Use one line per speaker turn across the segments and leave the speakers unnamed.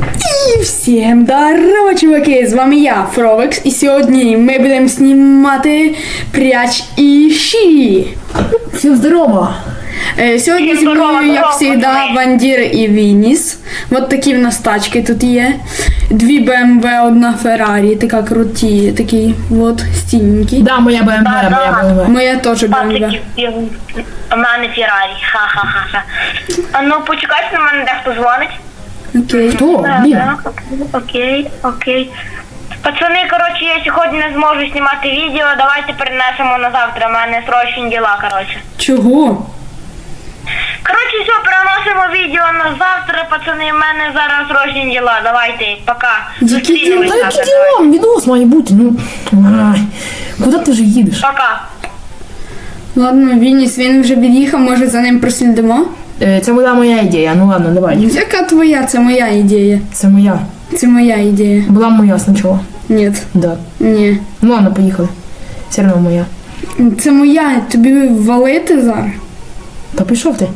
І всім здорово, чуваки! З вами я, Фровекс, і сьогодні ми будемо знімати Пряч і Щі.
Всім здорово!
Сьогодні зі мною, як завжди, Вандір і Вініс. Вот такі в нас тачки тут є. 2 BMW, 1 Ferrari, така круті, такі вот стільненькі.
Да, моя БМВ, моя БМВ.
Моя теж BMW.
У мене Феррарі, ха-ха-ха. А ну почекайте, на мене дехто дзвонить.
Окей.
Хто? Блін.
Окей. Пацани, коротше, я сьогодні не зможу знімати відео, давайте перенесемо на завтра, у мене срочні діла, коротше.
Чого?
Коротше, все, переносимо відео на завтра, пацани, у мене зараз срочні діла, давайте, пока. Зустрінемось
Та які
завтра.
діла? Відос має бути, ну. Ай. Куди ти вже їдеш?
Пока.
Ладно, Вініс, він вже під'їхав, може за ним прослідимо?
Це була моя ідея, ну ладно, давай.
Яка твоя? Це моя ідея.
Це моя.
Це моя ідея.
Була моя спочатку.
Ні.
Да.
Ні.
Ну ладно, поїхали. Все одно моя.
Це моя, тобі валити зараз?
Та пішов ти.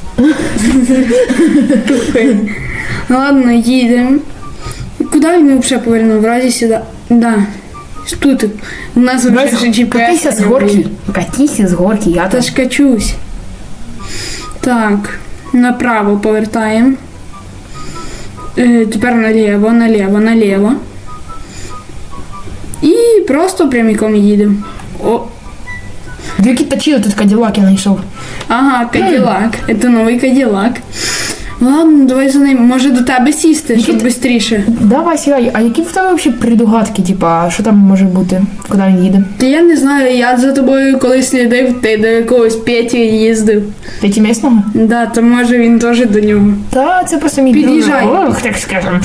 Ну ладно, їдемо. Куди він взагалі повернув? В разі сюди. Да. Тут. У нас вже GPS.
Катися з горки. Катися з горки, я
Та
теж.
ж качусь. Так. Направо повертаємо. Тепер наліво. І просто прямиком їдемо. О.
Дві точили, тут Каділак я знайшов.
Ага, Каділак. Це новий Каділак. Ладно, давай за ним. Може до тебе сісти, щоб швидше.
Давай, сідай. А які в тебе взагалі придугадки, типа, що там може бути, куди він їде?
Та я не знаю, я за тобою коли слідив, ти до якогось Петі їздив.
П'яті місного?
Да, то може він теж до нього.
Та це просто мій
Під'їжджай.
друг. Ох, так скажем.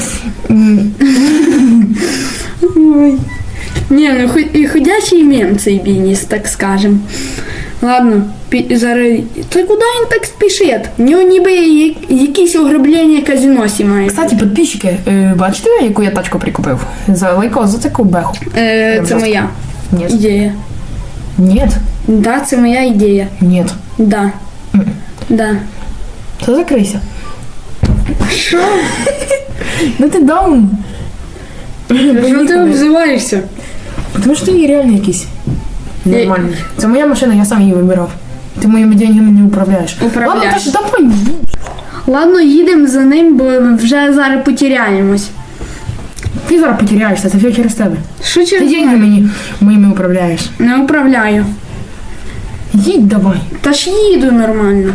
Ой. Ні, ну і ходячий мем цей Вініс, так скажем. Ладно, зараз. Та куди він так спішить? В нього ніби якісь ограблення казино сімає.
Кстати, підписчики, бачите, яку я тачку прикупив? За лайко, за таку беху.
Це моя
Ні.
ідея.
Ні.
Да, це моя ідея.
Ні.
Да. Да.
Та закрийся.
Що?
Ну ти даун.
Що ти обзиваєшся?
Тому що ти реально якийсь нормальний. Це моя машина, я сам її вибирав. Ти моїми деньгами не управляєш.
Управляю.
Ладно, Таша, давай.
Ладно, їдемо за ним, бо вже зараз потеряємось.
Ти зараз потеряєшся, це все через тебе.
Що
Ти
через
деньги
мене?
мені моїми управляєш.
Не управляю.
Їдь давай.
Та ж їду нормально.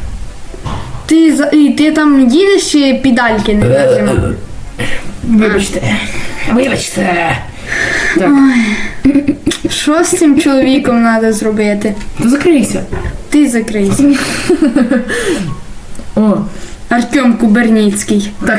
Ти там їдеш чи педальки не нажимав?
Вибачте. Вибачте. Так,
Що з цим чоловіком треба зробити?
то закрийся.
Ти закрийся.
О,
Артем Куберніцький.
так.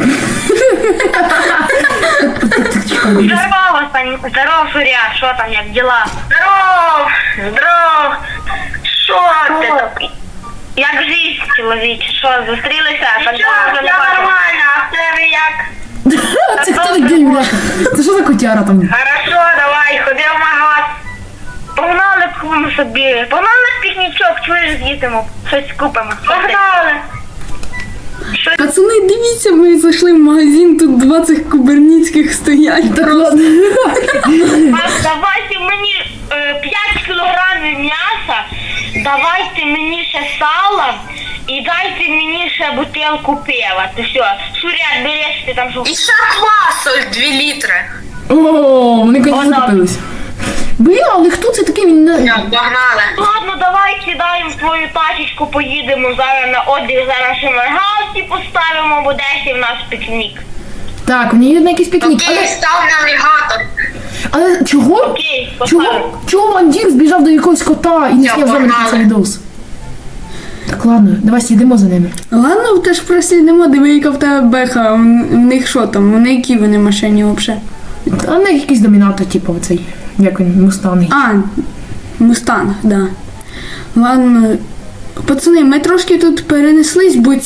Здорово, Суря, що там, як діла? Здоров! Що ти такий? Як жизнь, чоловіче, що, зустрілися? Я нормально, а в тебе як?
Це хто такий, бляха? Це що за котяра там?
Хорошо, давай, ходи в магаз. Погнали купимо собі. Погнали на пікнічок, чуєш, з'їдемо. Щось купимо. Погнали.
Пацани, дивіться, ми зайшли в магазин, тут 20 куберніцьких стоять.
Так ладно.
Давайте мені 5 кілограмів м'яса, давайте мені ще сала і дайте мені ще бутилку пива. Ти все, Сурят, береш ти там що.
І ще квасу 2 літри.
О, вони коні закупились. Бля, але хто це такий? Він не...
Погнали.
Ладно, давай сідаємо в твою тачечку, поїдемо зараз на отдих, зараз ще маргалці поставимо, бо десь в нас пікнік.
Так, вони їдуть на якийсь пікнік.
Окей, став навігатор.
Але чого?
Окей, поставимо.
Чого Вандір збіжав до якогось кота і не
Я
зняв з нами
погнала.
цей відос? Так, ладно, давай слідимо за ними.
Ладно, теж прослідимо, диви, яка в тебе беха. В них що там? Вони які вони машині взагалі?
А не якийсь домінатор, типу, оцей, як він, мустанг.
А, Мустанг, да. Ладно. Пацани, ми трошки тут перенеслись, бо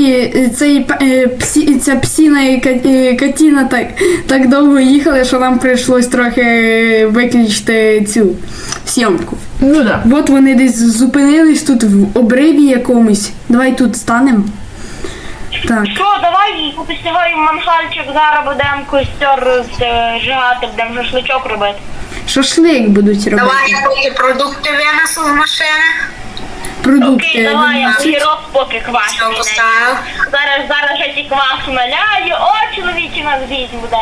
ця псіна і катіна так довго їхали, що нам прийшлось трохи виключити цю зйомку.
Ну да.
От вони десь зупинились тут в обриві якомусь. Давай тут станемо. Так.
Що, давай посягаємо мангальчик, зараз будемо костер зжигати, будемо шашличок робити.
Шашлик будуть робити.
Давай я поки продукти винесу з машини.
Продукти.
Окей, давай, я огірок поки
Все
квашений.
поставив.
Зараз ще ті квасу наляю. О, чоловічі, у нас жизнь буде.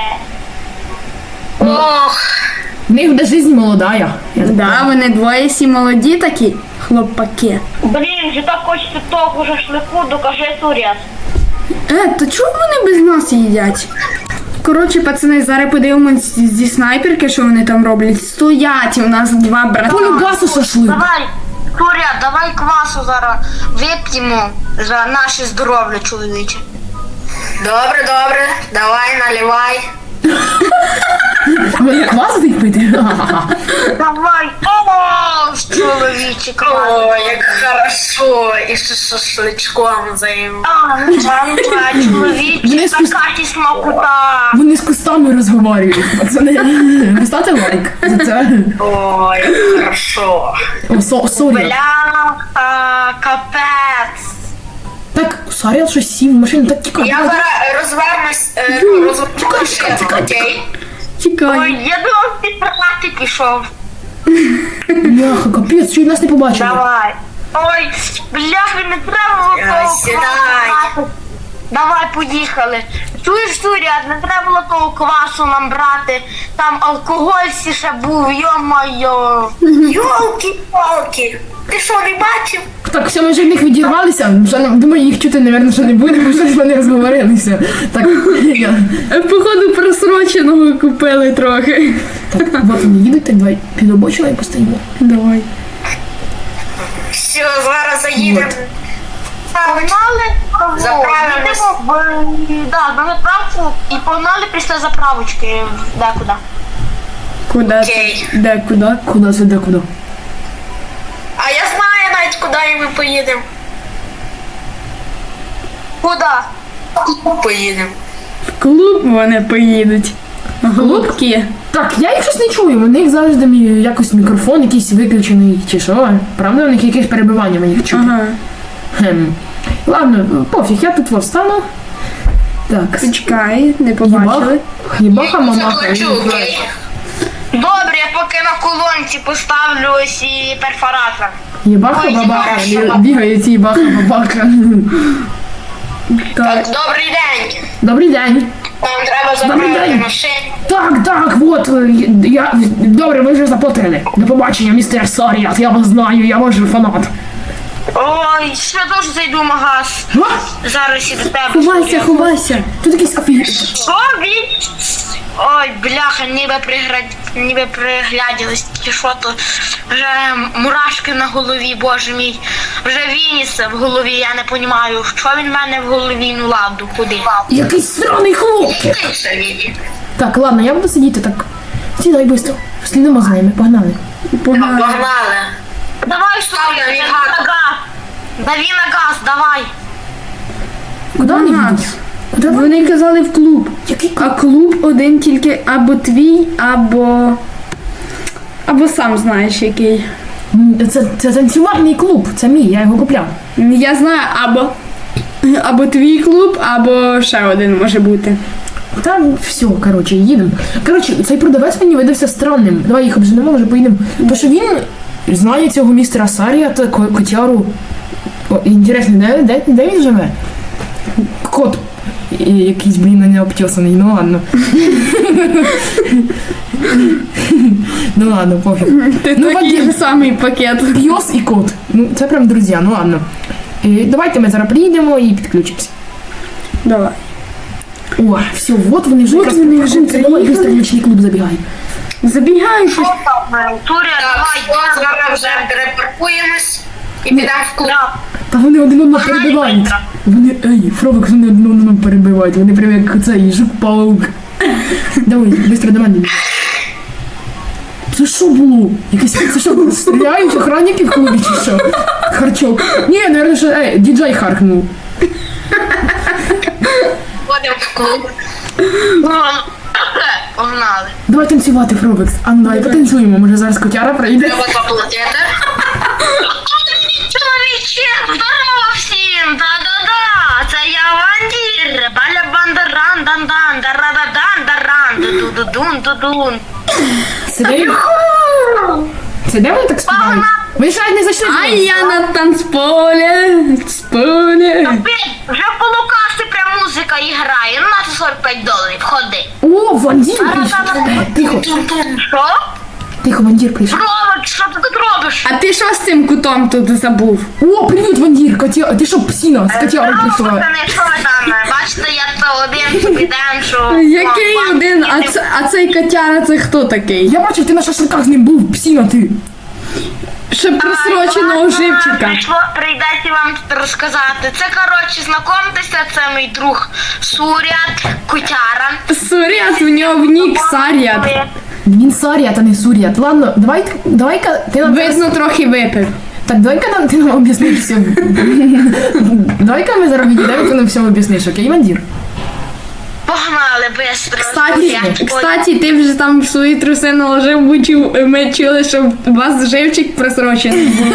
Ох,
В них буде жизнь молодая.
Да, вони двоє всі молоді такі, хлопаки.
Блін, вже так хочеться того шашлику, докажи суряд.
То чого вони без нас їдять? Коротше, пацани, зараз подивимось зі снайперки, що вони там роблять. Стоять, у нас два брата.
Полюбасу шашлик.
Давай, суряд, давай квасу зараз вип'ємо за наше здоров'я, чоловіче.
добре, давай, наливай.
Вони квас будуть пити?
Давай, о, чоловіче,
О,
квас.
як хорошо. І ще шашличком займ.
Чоловіче, така смакота.
Вони з кустами розговорюють. Пацани, поставте лайк за це.
О, як хорошо.
О, сорі.
Бляха, капець.
Так, Саріал щось сів в машину, так тікай.
Я зараз розвернусь, розверну машину, окей?
Ой,
Чекай.
я думав, ти практик ішов.
Бляха, капець, що й нас не побачили.
Давай. Ой, бляха, не треба було того
Сідай.
квасу брати. Давай, поїхали. Чуєш, Суряд, не треба було того квасу нам брати. Там алкоголь всі ще був, йо-моє.
Йолки-палки. Ти що, не бачив?
Так, все, ми вже від них відірвалися. Вже, думаю, їх чути, напевно, що не буде, бо щось вони розговорилися. Так,
Походу просроченого купили трохи.
так, от вони їдуть, так давай під обочину і постоїмо.
Давай.
Все, зараз заїдемо.
Погнали,
Заправимось.
на заправку і погнали після заправочки декуди.
Куди?
Окей.
Де куди?
Куди це, де куди?
А я знаю навіть, куди ми поїдемо.
Куди?
Поїдемо.
В клуб вони поїдуть. Голубки.
Так, я їх щось не чую, у них завжди якось мікрофон якийсь виключений, чи що. Правда, у них якесь перебивання мені їх чути.
Ага.
Ладно, пофіг, я тут встану. Так,
Чекай, не побачили.
хлібаха, мамаха.
Заплачу, окей?
Добре, я поки на колонці поставлю ось і перфоратор.
Єбаха,
Ой,
бабаха,
хорошо.
бігають єбаха, бабаха.
Так.
Добрий день.
Добрий день.
Нам треба
Добрий
заправити
день.
машину.
Так, от, добре, ви вже заплатили. До побачення, містер Саріат, я вас знаю, я ваш фанат.
Ой, ще теж зайду в магаз.
А?
Зараз і до тебе.
Ховайся, ховайся.
Тут якийсь офігеть.
Що він? Ой, бляха, ніби пригляділись, чи що то. Вже мурашки на голові, боже мій. Вже вініса в голові, я не розумію, що він в мене в голові, ну ладно, куди?
Якийсь сраний хлопчик.
Ти все віді.
Так, ладно, я буду сидіти так. Сідай швидко. Слідимо за ними, погнали.
Погнали.
Погнали.
Давай, що
Ставлю
дави
навігатор.
на газ. Дави на газ, давай.
Куди вони
Ага.
їдуть? Куди вони?
Вони казали в клуб.
Який
А клуб один тільки або твій, або сам знаєш який.
Це танцювальний клуб, це мій, я його купляв.
Я знаю, або твій клуб, або ще один може бути.
Там все, коротше, їдемо. Коротше, цей продавець мені видався странним. Давай їх обженемо, вже поїдемо. Тому що він знає цього містера Сарія та котяру. О, інтересно, де він живе? Кот. Якийсь, блін, не обтесаний, ну ладно. Ну ладно, пофіг.
Ти
Ну,
такий
Вадим.
же самий пакет.
Пес і кот. Ну, це прям друзі, ну ладно. Давайте ми зараз приїдемо і підключимося.
Давай.
О, все, от вони вже
От
якраз
вони вже
приїхали. Давай,
приїхали.
быстро в нічний клуб забігай.
Забігай.
Що там? Туря,
Так,
давай,
все, зараз вже перепаркуємось і підемо в клуб.
Та вони один одного перебивають. Вони, Фровик, вони один одного перебивають. Вони прям як цей жук-паук. Давай, швидко до мене. Це що було? Це що, стріляють охранники в клубі чи що? Харчок. Ні, наверное, що, діджей харкнув.
Ходимо в клуб.
Погнали.
Давай танцювати, Фровекс. А ну давай потанцюємо, може зараз котяра прийде.
Треба заплатити.
Чоловіче, здорово всім! Да-да-да! Це я Вандір, баля-бандаран, дан-дан, дара-дан-даран, ду-ду-дун-ду-дун.
Це де вони так співають? Ви ж навіть не зайшли.
А я на танцполі, сполі.
Вже в полукасті прям музика і грає, ну на це 45 доларів, ходи.
О, Вандір прийшов. Тихо,
Що?
тихо, Вандір прийшов.
Робот, що ти тут робиш?
А ти що з цим кутом тут забув?
О, привіт, Вандір, Катя, ти що, псіна, з Катярою прийшла?
Пацани, що ви там? Бачите, я це один собі демшу.
Який один, а цей котяра це хто такий?
Я бачив, ти на шашликах з ним був, псіна ти.
Ще просроченого живчика.
Прийдеться вам тут розказати. Це, коротше, знайомтеся, це мій друг Сурят Кутяра.
Сурят, в нього в нік Сарят.
Він Саріат, а не Суріат. Ладно, давай-ка ти нам...
Видно, трохи випив.
Так, давай-ка ти нам об'ясниш все. Давай-ка ми зараз відійдемо, ти нам все об'ясниш, окей, Вандір?
Погнали быстро.
Кстати, ти вже там в свої труси наложив, ми чули, що у вас живчик просрочений був.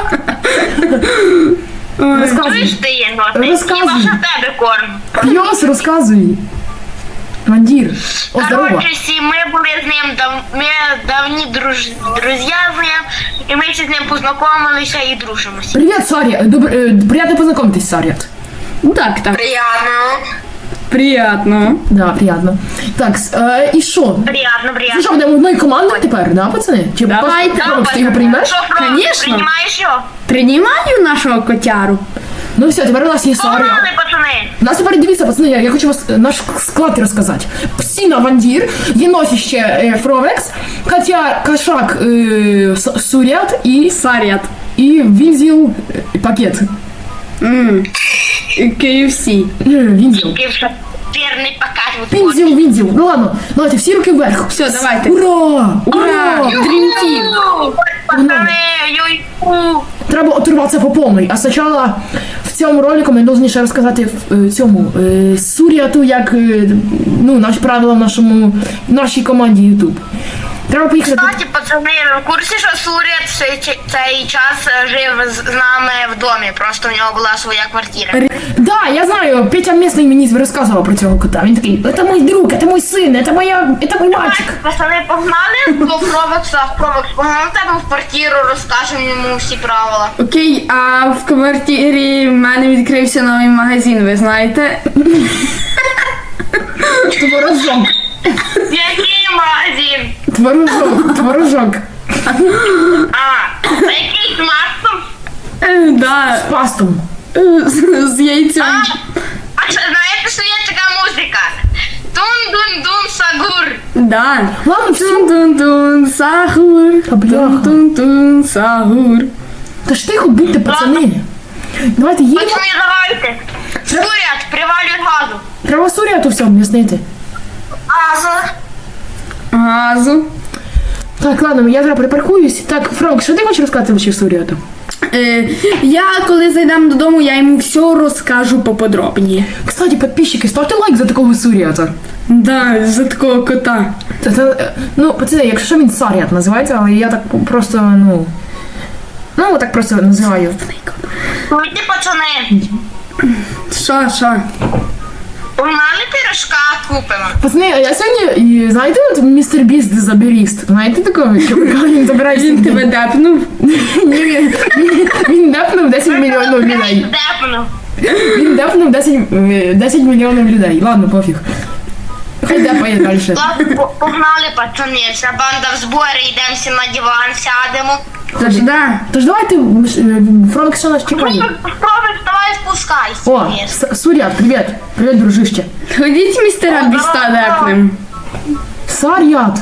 Розказуй.
Чуєш ти є
Розказуй.
Хіба що тебе корм.
Йос, розказуй. Вандір, о, здорово.
Коротше, всі ми були з ним, ми давні друзі з ним, і ми ще з ним познайомилися і дружимося.
Привіт, Саріат. Приятно познайомитись, Саріат.
Так.
Приятно.
Приятно.
Да, приятно. Так, і що?
Приятно,
Ну
приятно.
що, будемо одною командою тепер, да, пацани? Чи
Давайте.
Фрокс, ти його приймеш?
Що, Фрон,
Конечно.
приймаєш його?
Приймаю нашого котяру.
Ну все, тепер у нас є Саріат.
Погнали, пацани.
У нас тепер дивіться, пацани, я хочу вас наш склад розказати. Псіна Вандір, єносіще Фровекс, Катя Кашак Сурят
Сарят.
і Вінзіл пакет.
KFC.
Вінзіл.
Вірний показ.
Вінзіл. Ну ладно, давайте всі руки вверх.
Все, давайте.
Ура!
Ура! Dream Team.
Пацани, юй-ку.
Треба оторватися по повній. А спочатку в цьому ролику ми повинні ще розказати цьому Суріату, як наші правила в нашій команді YouTube. Треба поїхати.
Кстати, пацани, ви в курсі, що Сурят цей час жив з нами в домі, просто в нього була своя квартира.
Да, я знаю, Петя Місний мені розказував про цього кота. Він такий, це мій друг, це мій син, це мій мальчик.
Пацани, погнали до Фровекса, погнали в тебе в квартиру, розкажемо йому всі правила.
Окей, а в квартирі в мене відкрився новий магазин, ви знаєте?
Творожок.
Який магазин?
Творожок.
А, який з маслом?
Да,
З пастом.
з яйцем.
А що, знаєте, що є така музика? Тун-дун-дун сагур.
Да.
Ладно, все.
Тун-тун-тун, сахур.
Та бляха.
Тун-тун-тун, сахур.
Та ж тихо будьте, пацани. Давайте їдемо.
Пацани, давайте. Сурят, привалюй газу.
Треба Суріату все об'яснити.
Газу.
Так, ладно, я зараз припаркуюсь. Так, Фрок, що ти хочеш розказати ще Суріату?
Я, коли зайдемо додому, я йому все розкажу поподробніше.
Кстати, підписчики, ставте лайк за такого Суріата.
Да, за такого кота.
Ну, пацани, якщо що, він Саріат називається, але я так просто, так просто називаю.
Чуєте, пацани?
Що?
Погнали пирожка купимо.
Пацани, а я сьогодні, знаєте, от містер Біст заберіст? Знаєте такого? Він забирає
Він тебе депнув?
Ні, він депнув 10 мільйонів людей.
Депну.
Він депнув 10 мільйонів людей. Ладно, пофіг. Хай депає далі.
Погнали, пацани, вся банда в зборі, йдемо всі на диван, сядемо.
Тож давайте, Фролик, що нас чекає?
Спробуй, давай спускайся.
О, Суріат, привіт. Привіт, дружище.
Ходіть містера Біста депнем.
Саріат.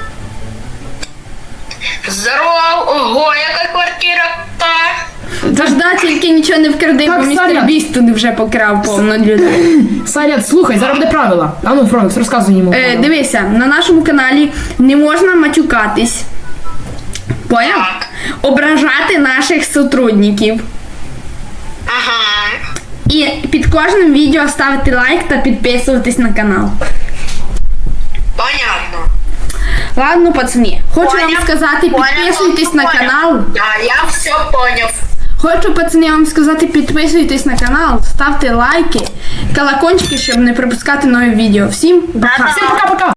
Здоров, ого, яка квартира та.
Тож да, тільки нічого не вкради,
Так,
бо містер
Саря.
Біст тут вже покрав повно людей.
Саріат, слухай, зараз буде правила. А ну, Фролик, розказуй йому.
Дивися, на нашому каналі не можна матюкатись. Поняв?
Так.
Ображати наших сотрудників.
Ага.
І під кожним відео ставити лайк та підписуватись на канал.
Понятно.
Ладно, пацани, хочу вам
Поняв.
сказати,
Поняв.
підписуйтесь на
Поняв.
канал.
Да, я все понял.
Хочу, пацани, вам сказати, підписуйтесь на канал, ставте лайки, колокольчики, щоб не пропускати нові відео. Всім пока!
Всім пока-пока!